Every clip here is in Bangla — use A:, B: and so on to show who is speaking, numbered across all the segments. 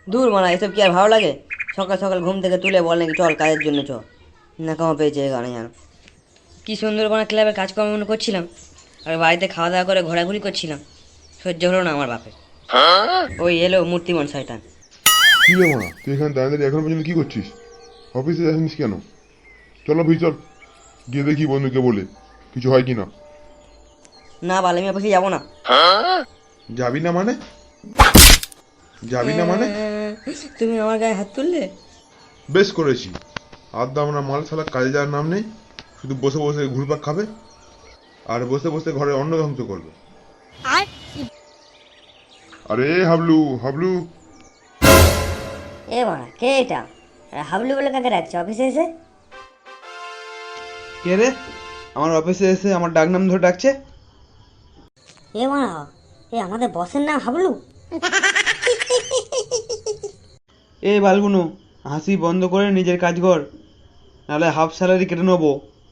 A: দূর মানা, এসব কি আর ভালো লাগে? সকাল সকাল ঘুম থেকে তুলে বল নাকি চল কাজের জন্য চ। নাকামা পেয়েছে এখানে জানো। কি সুন্দরবনের ক্লাবে কাজকর্ম করছিলাম, আর বাড়িতে খাওয়া দাওয়া করে ঘোরাঘুরি করছিলাম। সহ্য হলো না আমার বাপের। ওই এলো মূর্তিমান শয়তান।
B: কি রে মারা, তুই এখানে দাঁড়িয়ে দাঁড়িয়ে এখন পর্যন্ত কি করছিস? অফিসে যাসনিস কেন? চল অফিস চল, গিয়ে দেখি বন্ধুকে বলে কিছু হয় কি না।
A: না বাল, আমি অফিসে যাবো না।
B: যাবি না মানে? যাবি না মানে?
A: তুমি আমার গায়ে হাত তুললে?
B: বেশ করেছি। আড্ডা আমরা মাল ছাড়া কাজে যাওয়ার নাম নেই, শুধু বসে বসে ঘুরপাক খাবে আর বসে বসে ঘরে অন্ন ধ্বংস করবে। আরে হাবলু হাবলু।
A: এ বাড়া, কে এটা? হাবলু বলে কাকে ডাকছে অফিসে এসে?
C: কে রে আমার অফিসে এসে আমার ডাক নাম ধরে ডাকছে?
A: এ বাড়া, এ আমাদের বসের নাম হাবলু?
C: এ বালগুনো, হাসি বন্ধ করে নিজের কাজ কর, নাহলে হাফ স্যালারি কেটে নেবো।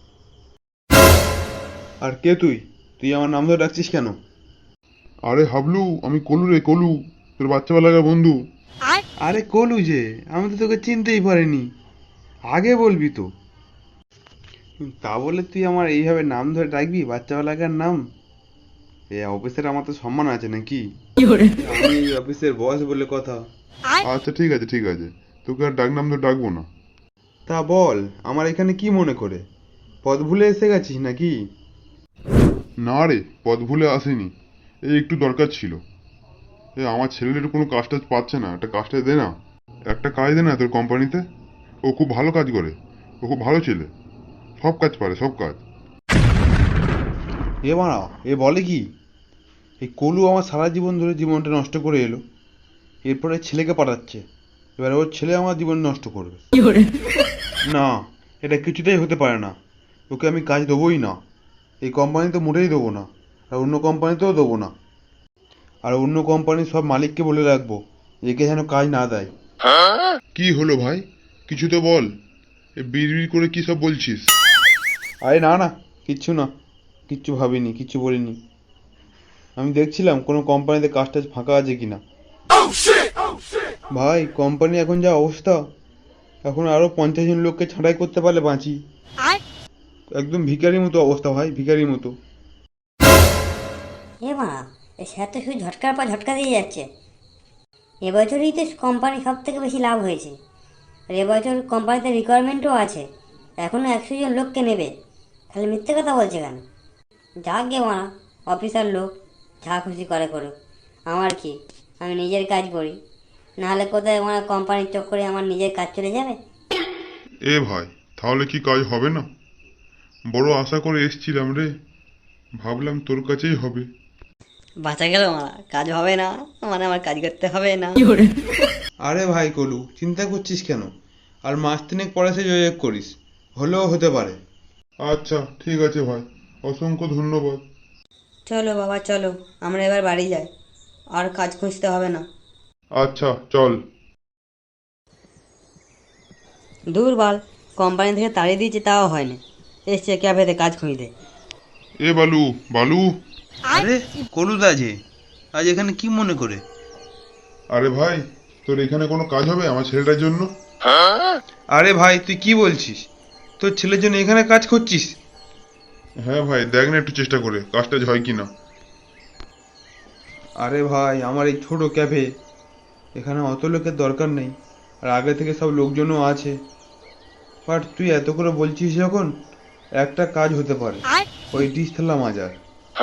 C: আর কে তুই? তুই আমার নাম ধরে ডাকছিস কেন?
B: আরে হাবলু, আমি কলু রে, কলু, তোর বাচ্চাবেলাকার বন্ধু।
C: আরে কলু যে, আমি তো তোকে চিনতেই পারিনি। আগে বলবি তো। তা বলে তুই আমার এইভাবে নাম ধরে ডাকবি, বাচ্চাবেলাকার নাম? এ অফিসের আমার তো সম্মান আছে নাকি? আমি এই অফিসের বস বলে কথা।
B: আচ্ছা ঠিক আছে ঠিক আছে, তোকে আর ডাক নাম তো ডাকবো না।
C: তা বল, আমার এখানে কি মনে করে? পথ ভুলে এসে গেছিস নাকি?
B: না রে, পথ ভুলে আসেনি, এই একটু দরকার ছিল। আমার ছেলের কোনো কাজ টাজ পাচ্ছে না, একটা কাজটা দে না, একটা কাজ দে না তোর কোম্পানিতে। ও খুব ভালো কাজ করে, ও খুব ভালো ছেলে, সব কাজ পারে সব কাজ।
C: এ মারা, এ বলে কি? এই কলু আমার সারা জীবন ধরে জীবনটা নষ্ট করে এলো, এরপরে ছেলেকে পাঠাচ্ছে, এবার ওর ছেলে আমার জীবন নষ্ট করবে। না, এটা কিছুতেই হতে পারে না। ওকে আমি কাজ দেবোই না, এই কোম্পানিতে মোটেই দেবো না, আর অন্য কোম্পানিতেও দেবো না। আর অন্য কোম্পানির সব মালিককে বলে রাখবো, একে যেন কাজ না দেয়।
B: কি হলো ভাই, কিছু তো বল, এ বিড়বিড় করে কি সব বলছিস?
C: আরে না না, কিচ্ছু না, কিচ্ছু ভাবিনি, কিচ্ছু বলিনি। আমি দেখছিলাম কোনো কোম্পানিতে কাজ টাজ ফাঁকা আছে কিনা। ভাই, কোম্পানি এখন যা অবস্থা, এখন আরো 50 জন লোককে ছাঁটাই করতে পারলে বাঁচি। একদম ভিখারির মতো অবস্থা ভাই, ভিখারির মতো।
A: এ বাড়া, এ স্যার তো শুধু ঝটকার পর ঝটকা দিয়ে যাচ্ছে। এবছরই তো কোম্পানি সব থেকে বেশি লাভ হয়েছে, আর এবছর কোম্পানিতে রিকোয়ারমেন্টও আছে, এখনও 100 জন লোককে নেবে। তাহলে মিথ্যে কথা বলছে কেন? যাক গে মারা, অফিসার লোক, যা খুশি করে করুক, আমার কি? আমি নিজের কাজ করি, নাহলে কোথায় আমার কোম্পানির চক্করে আমার নিজের কাজ চলে যাবে।
B: এ ভাই, তাহলে কি কাজ হবে না? বড় আশা করে এসছিলাম রে, ভাবলাম তোর কাছেই হবে।
A: বাঁচা গেল মারা, কাজ হবে না মানে আমার কাজ করতে হবে না।
C: আরে ভাই কলু, চিন্তা করছিস কেন? আর মাস তিনেক পরে সে যোগাযোগ করিস, হলেও হতে পারে।
B: আচ্ছা ঠিক আছে ভাই, অসংখ্য ধন্যবাদ।
A: চলো বাবা চলো, আমরা এবার বাড়ি যাই, আর কাজ খুঁজতে হবে না।
B: আচ্ছা চল।
A: দূর বাল, কোম্পানি থেকে তাড়িয়ে দিয়েছে তাও হয়নি, এসছে ক্যাফেতে কাজ খুঁজতে।
B: এ বালু, বালু।
C: আরে কলুদা যে, আজ এখানে কি মনে করে?
B: আরে ভাই, তোর এখানে কোনো কাজ হবে আমার ছেলেটার জন্য?
C: আরে ভাই, তুই কি বলছিস? তোর ছেলের জন্য এখানে কাজ করছিস?
B: হ্যাঁ ভাই, দেখ না একটু চেষ্টা করে কাজটা হয় কি না।
C: আরে ভাই, আমার এই ছোট ক্যাফে, এখানে অত লোকের দরকার নেই, আর আগে থেকে সব লোকজনও আছে। বাট তুই এত করে বলছিস যখন, একটা কাজ হতে পারে, ওই ডিশ থালা মাজার।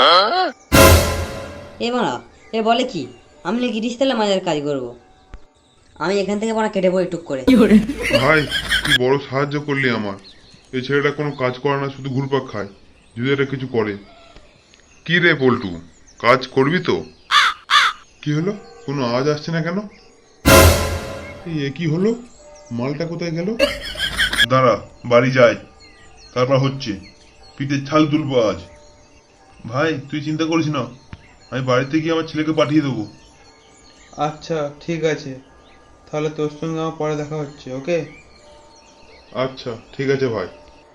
A: এ মারা, এ বলে কি? আমি নাকি রিস্তেলা মাজার কাজ করব? আমি এখান থেকে মারা কেটে পড়ি টুক করে।
B: ভাই, তুই বড় সাহায্য করলি আমার। এই ছেলেটা কোনো কাজ করে না, শুধু ঘুরপাক খায়, যদি এটা কিছু করে। কি রে পল্টু, কাজ করবি তো? কি হলো, কোনো আওয়াজ আসছে না কেন? এ কি হলো, মালটা কোথায় গেল? দাঁড়া, বাড়ি যাই, তারপর হচ্ছে, পিঠের ছাল তুলবো আজ। ভাই তুই চিন্তা করিস না, আমি বাড়িতে গিয়ে আমার ছেলেকে পাঠিয়ে দেবো।
C: আচ্ছা ঠিক আছে, তাহলে তোর সঙ্গে আমার পরে দেখা হচ্ছে, ওকে?
B: আচ্ছা ঠিক আছে ভাই।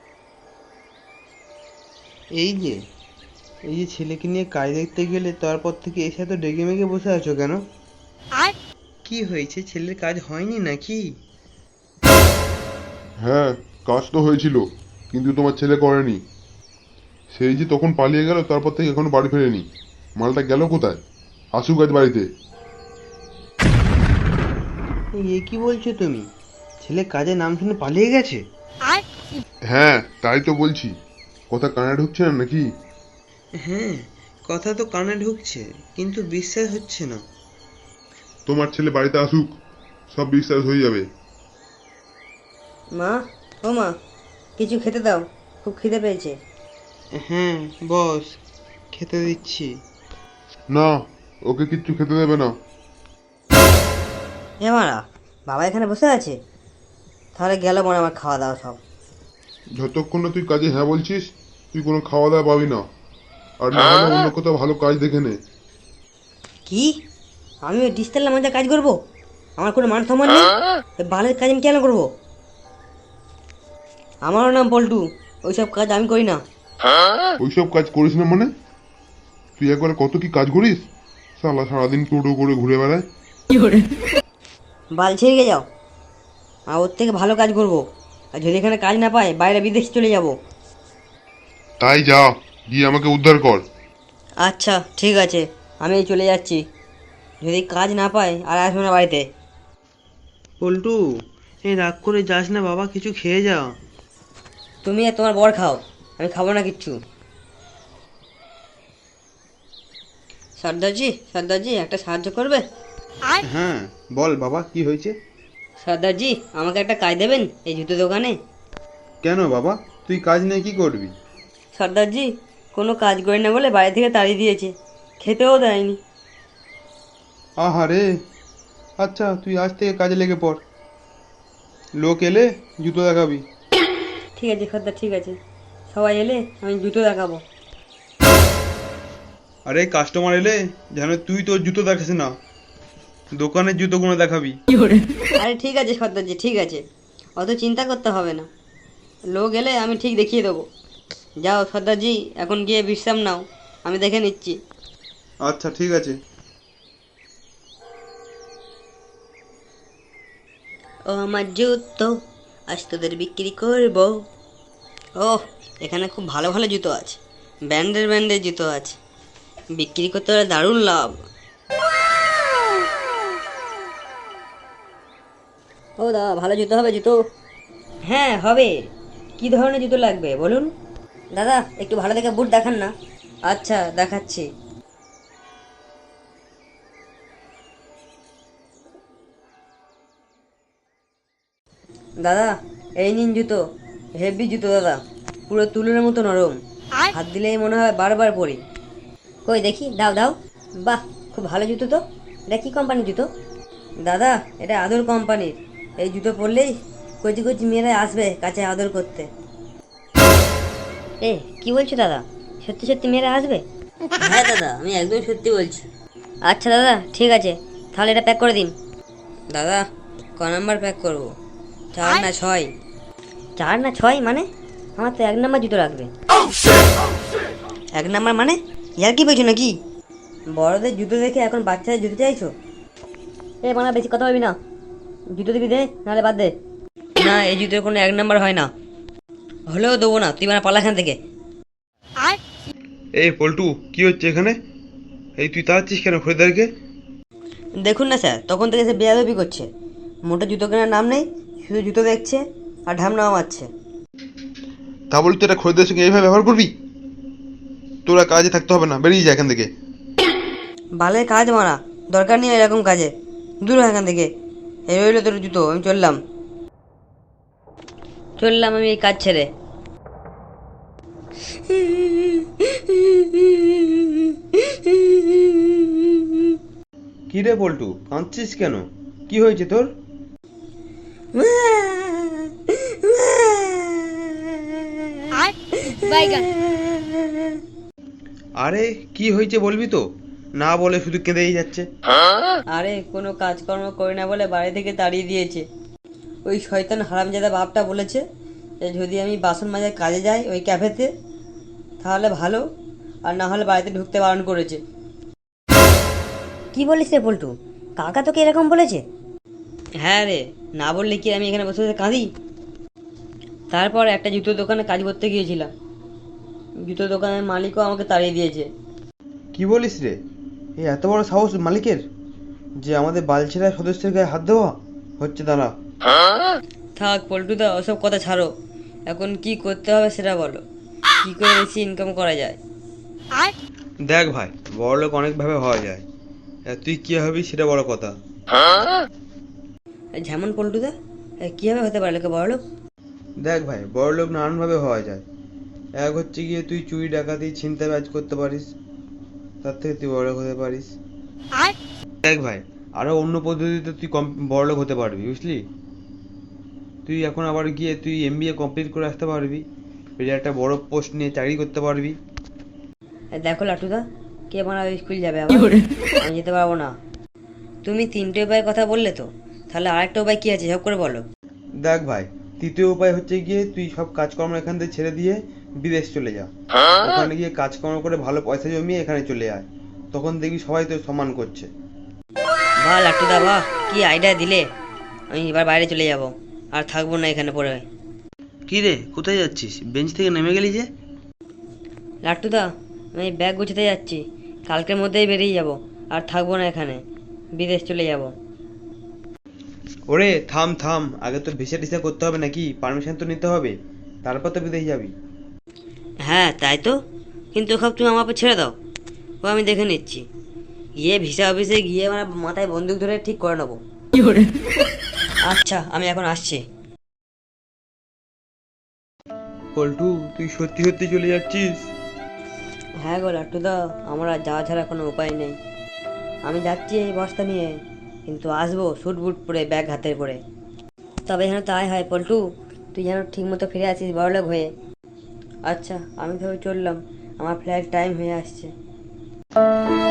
C: এই যে, এই যে ছেলেকে নিয়ে কাজ দেখতে গেলে তারপর থেকে এসে তো ডেকে মেগে বসে আছো কেন?
D: কি হয়েছে, ছেলের কাজ হয়নি নাকি?
B: হ্যাঁ, কাজ তো হয়েছিল, কিন্তু তোমার ছেলে করেনি। সেই যে তখন পালিয়ে গেল, তারপর থেকে এখনো বাড়ি ফেরেনি। মালটা গেল কোথায়? আসুক আজ বাড়িতে।
D: এ কি বলছো তুমি? ছেলে কাজে নাম শুনে পালিয়ে গেছে?
B: হ্যাঁ, তাই তো বলছি। কথা কানে ঢুকছে না নাকি?
D: হ্যাঁ, কথা তো কানে ঢুকছে, কিন্তু বিশ্বাস হচ্ছে না।
B: তোমার ছেলে বাড়িতে আসুক, সব বিশ্বাস হয়ে যাবে।
A: মা, ও মা, কিছু খেতে দাও, খুব খিদে পেয়েছে।
D: হ্যাঁ বস, খেতে দিচ্ছি।
B: না, ওকে কিচ্ছু খেতে দেবে না।
A: এ মারা, বাবা এখানে বসে আছে, তাহলে গেল মনে হয় আমার খাওয়া দাওয়া সব।
B: যতক্ষণ না তুই কাজে হ্যাঁ বলছিস, তুই কোনো খাওয়া দাওয়া পাবি না। আর না হলে অন্য কোথাও ভালো কাজ দেখে নে।
A: কি? আমি ওই ডিজিটাল মধ্যে কাজ করব? আমার কোনো মান সম্মান নেই? ওই বালের কাজ আমি কেন করব? আমারও নাম পল্টু, ওইসব কাজ আমি করি না।
B: ওইসব কাজ করিস না মানে? তুই একবারে কত কি কাজ করিস? শালা সারাদিন টোটো করে ঘুরে বেড়ায়।
A: বাল ছেড়ে যাও, আর ওর থেকে ভালো কাজ করব। আর যদি এখানে কাজ না পাই, বাইরে বিদেশে চলে যাব।
B: তাই যা, গিয়ে আমাকে উদ্ধার কর।
A: আচ্ছা ঠিক আছে, আমি এই চলে যাচ্ছি। যদি কাজ না পাই আর আসবো না বাড়িতে।
D: পল্টু, এই রাগ করে যাস না বাবা, কিছু খেয়ে যা।
A: তুমি আর তোমার বর খাও, আমি খাবো না কিচ্ছু। সর্দারজি, সর্দারজি, একটা সাহায্য করবে?
C: হ্যাঁ বল বাবা, কি হয়েছে?
A: সর্দারজি, আমাকে একটা কাজ দেবেন এই জুতো দোকানে?
C: কেন বাবা, তুই কাজ নিয়ে কি করবি?
A: সর্দারজি, কোনো কাজ করি না বলে বাড়ি থেকে তাড়িয়ে দিয়েছে, খেতেও দেয়নি।
C: আহারে, আচ্ছা তুই আজ থেকে কাজে লেগে পড়, লোক এলে জুতো দেখাবি।
A: ঠিক আছে সর্দার, ঠিক আছে, সবাই এলে আমি জুতো দেখাবো।
C: আরে কাস্টমার এলে যেন তুই তোর জুতো দেখাস না, দোকানের জুতোগুলো দেখাবি।
A: আরে ঠিক আছে সর্দারজি, ঠিক আছে, অত চিন্তা করতে হবে না। লোক এলে আমি ঠিক দেখিয়ে দেবো। যাও সর্দারজি, এখন গিয়ে বিশ্রাম নাও, আমি দেখে নিচ্ছি।
C: আচ্ছা ঠিক আছে।
A: ও আমার জুতো, আজ তোদের বিক্রি করব। ও, এখানে খুব ভালো ভালো জুতো আছে, ব্র্যান্ডের ব্র্যান্ডের জুতো আছে, বিক্রি করতে হলে দারুণ লাভ। ও দাদা, ভালো জুতো হবে জুতো? হ্যাঁ হবে। কি ধরনের জুতো লাগবে বলুন? দাদা একটু ভালো দেখে বুট দেখান না। আচ্ছা দেখাচ্ছি। দাদা এই নিন জুতো, হেভি জুতো দাদা, পুরো তুলোর মতো নরম, হাত দিলেই মনে হয় বারবার পরি। কই দেখি, দাও দাও। বাহ, খুব ভালো জুতো তো। এটা কি কোম্পানির জুতো? দাদা এটা আদর কোম্পানির। এই জুতো পরলেই কচি কচি মেয়েরা আসবে কাছে আদর করতে। এ কি বলছো দাদা, সত্যি সত্যি মেয়েরা আসবে? হ্যাঁ দাদা, আমি একদম সত্যি বলছি। আচ্ছা দাদা ঠিক আছে, তাহলে এটা প্যাক করে দিন। দাদা ক নাম্বার প্যাক করবো? 4 না 6? 4 না 6 মানে? আমার তো 1 নাম্বার জুতো লাগবে। 1 নাম্বার মানে? ইয়ার কি বলছো নাকি? বড়দের জুতো দেখে এখন বাচ্চাদের জুতো চাইছো? এ মানে বেশি কথা বলবি না, জুতো দিবি দে, নাহলে বাদ দে। না, এই জুতোর কোনো 1 নাম্বার হয় না, হলেও দেবো না, তুই মানে পালা এখান থেকে।
C: এই পল্টু, কি হচ্ছে এখানে? এই তুই তাড়াচ্ছিস কেন খরিদ্দারকে?
A: দেখুন না স্যার, তখন থেকে সে বেয়াদবি করছে, মোটা জুতো কেনার নাম নেই, শুধু জুতো দেখছে আর ঢামনাও মারছে।
C: তা বলি তুই একটা খরিদ্দারের সঙ্গে এইভাবে ব্যবহার করবি? তোরা কাজে থাকতে হবে না, বেরিয়ে যা এখান থেকে।
A: বালের কাজ মারা, দরকার নেই এরকম কাজে, দূর হয় এখান থেকে। এই রইলো তোর জুতো, আমি চললাম। চললাম আমি এই কাজ ছেড়ে।
C: কি রে পল্টু, কাঁদছিস কেন? কি হয়েছে তোর? আরে কি হয়েছে বলবি তো, না বলে শুধু কেঁদেই যাচ্ছে।
A: আরে কোনো কাজকর্ম করি না বলে বাড়ি থেকে তাড়িয়ে দিয়েছে। ওই শয়তান হারামজাদা বাপটা বলেছে যে যদি আমি বাসন মাজার কাজে যাই ওই ক্যাফেতে তাহলে ভালো, আর না হলে বাড়িতে ঢুকতে বারণ করেছে। কি বলিস রে পল্টু, কাকা তোকে এরকম বলেছে?
E: হ্যাঁ রে, না বললে কি আমি এখানে বসে বসে কাঁদি? তারপর একটা জুতোর দোকানে কাজ করতে গিয়েছিলাম, জুতোর দোকানের মালিকও আমাকে তাড়িয়ে দিয়েছে।
C: কি বলিস রে? এই এত বড় সাহস মালিকের, যে আমাদের বালছেরা সদস্যের গায়ে হাত দেওয়া হচ্ছে? দাঁড়া।
E: থাক পল্টুদা, ওসব কথা ছাড়ো, এখন কি করতে হবে সেটা বলো, কি করে বেশি ইনকাম করা যায়?
C: দেখ ভাই, বড়লোক অনেকভাবে হওয়া যায়, তুই কি হবি সেটা বড় কথা।
E: যেমন পল্টুদা, কীভাবে হতে পারে লোকে বড়লোক?
C: দেখ ভাই, বড়লোক নানানভাবে হওয়া যায়। এক হচ্ছে গিয়ে তুই চুরি ডাকাতি ছিনতাইবাজ করতে পারিস, তার থেকে তুই বড়লোক হতে পারিস। দেখ ভাই, আরো অন্য পদ্ধতিতে তুই কম বড়লোক হতে পারবি, বুঝলি? তুই এখন আবার গিয়ে তুই এমবিএ কমপ্লিট করে আসতে পারবি, পেরে একটা বড় পোস্ট নিয়ে চাকরি করতে পারবি।
E: দেখো লাটুদা, কে বানাবে স্কুল যাবে আবার? আমি যেতে পারবো না। তুমি তিনটে উপায়ের কথা বললে তো, তাহলে আরেকটা উপায় কি আছে সব করে বলো।
C: দেখ ভাই, তৃতীয় উপায় হচ্ছে গিয়ে তুই সব কাজকর্ম এখান থেকে ছেড়ে দিয়ে বিদেশ চলে যা। ওখানে গিয়ে কাজকর্ম করে ভালো পয়সা জমিয়ে এখানে চলে আয়, তখন দেখবি সবাই তোর সম্মান করছে।
E: বাহ লাটুদা বাহ, কি আইডিয়া দিলে! আমি এবার বাইরে চলে যাব, আর থাকবো না এখানে পড়ে।
D: কি রে, কোথায় যাচ্ছিস? বেঞ্চ থেকে নেমে গেলি যে?
E: লাট্টুদা, আমি ব্যাগ গুছাতে যাচ্ছি, কালকের মধ্যেই বেরিয়ে যাব, আর থাকবো না এখানে, বিদেশ চলে যাব।
C: ওরে থাম থাম, আগে তো ভিসা টিসা করতে হবে নাকি, পারমিশন তো নিতে হবে, তারপর তো বিদেশ যাবি।
E: হ্যাঁ তাই তো, কিন্তু সব তুমি আমার উপর ছেড়ে দাও, ও আমি দেখে নিচ্ছি, গিয়ে ভিসা অফিসে গিয়ে আমার মাথায় বন্দুক ধরে ঠিক করে নেবো। আচ্ছা আমি এখন আসছি।
C: পল্টু, তুই সত্যি সত্যি চলে যাচ্ছিস?
E: হ্যাঁ গো লাট্টুদা, আমার আর যাওয়া ছাড়া কোনো উপায় নেই। আমি যাচ্ছি এই বস্তা নিয়ে, কিন্তু আসবো স্যুট বুট পরে, ব্যাগ হাতে করে। তবে যেন তাই হয় পল্টু, তুই যেন ঠিক মতো ফিরে আসিস বড়লোক হয়ে। আচ্ছা আমি তবে চললাম, আমার ফ্লাইট টাইম হয়ে আসছে।